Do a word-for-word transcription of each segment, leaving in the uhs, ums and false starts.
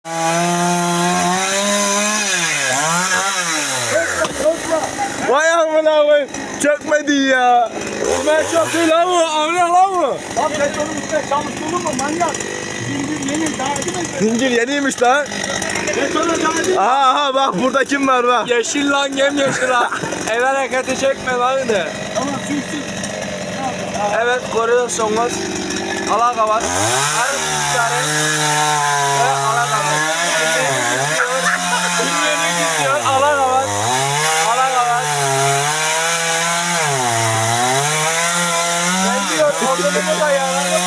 Vay amına koyayım. Çökmedi ya. Ben çok değil lan bu. Amına lan bu. Lan petrolün üstüne çalıştırdın mı manyak? Zincir yeni daha edemez. Zincir yeniymiş lan. Petrolün daha edemez. Aha aha bak burada kim var bak. Yeşil lan yemyeşil lan. El hareketi çekme lan de. Tamam su içsin. Evet görüyorsunuz. Alaka var. Arı tüccarı. Ve alaka var. Dinleyeni gidiyor. Alaka var. Alaka var. Ben diyor odunumu da yararım.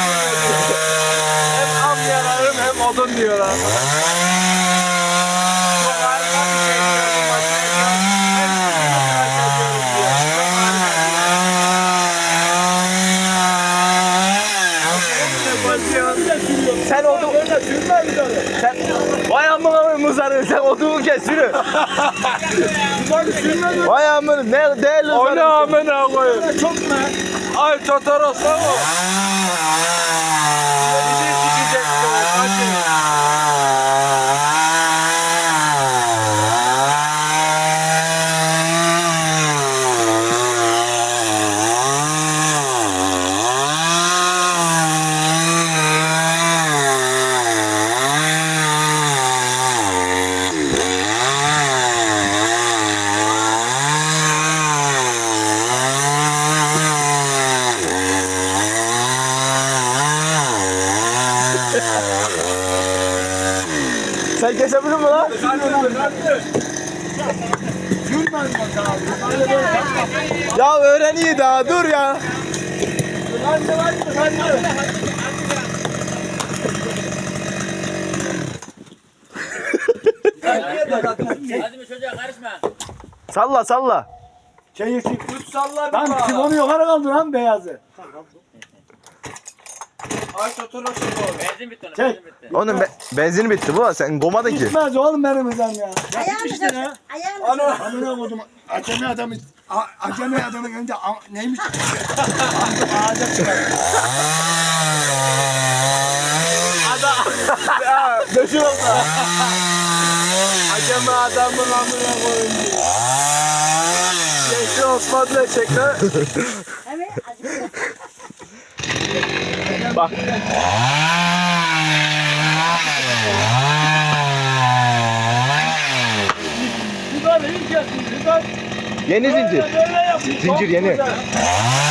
Hem am yararım hem odun diyorlar. Çok harika bir şey diyorum. Hem sütünü tıraş ediyoruz diyor. Çok harika. Sen odu... Sen... Vay amına koyayım muzarı. Sen odumu kes yürü. Vay amına ne değerli O ne muzarı. amına koyayım? Çok mu? Ay Totoros lan o. Bizi sikecek bu. Hadi. Sen kesebilir mi lan? Gülmez bak abi. Ya öğren iyi daha dur ya. Hadi hadi hadi. Hadi mi çocuğa karışma. Salla salla. Çayır çek. Üç salla bir Lan bak. sifonu yukarı kaldı lan beyazı. Ay Totoros'u bu. Benzin bitti onun, Çek. benzin bitti. Onun be benzin bitti bu. Sen gomadın ki. Gitmez oğlum benim ya. Ayağını İşte sür. ya. Ayağını sür. Amına koydum. Acemi adamı, a- acemi adamın önünde a- neymiş? Ağzı- Ağaca çıkar. Ya döşür oldu. Acemi adamın amına koyayım diyor. Yeşil Osman bile çek lan. Evet. Acı. Bak. Güzel iyi kesin. Güzel. Yeni zincir. Böyle yapayım. Zincir Çok yeni. güzel.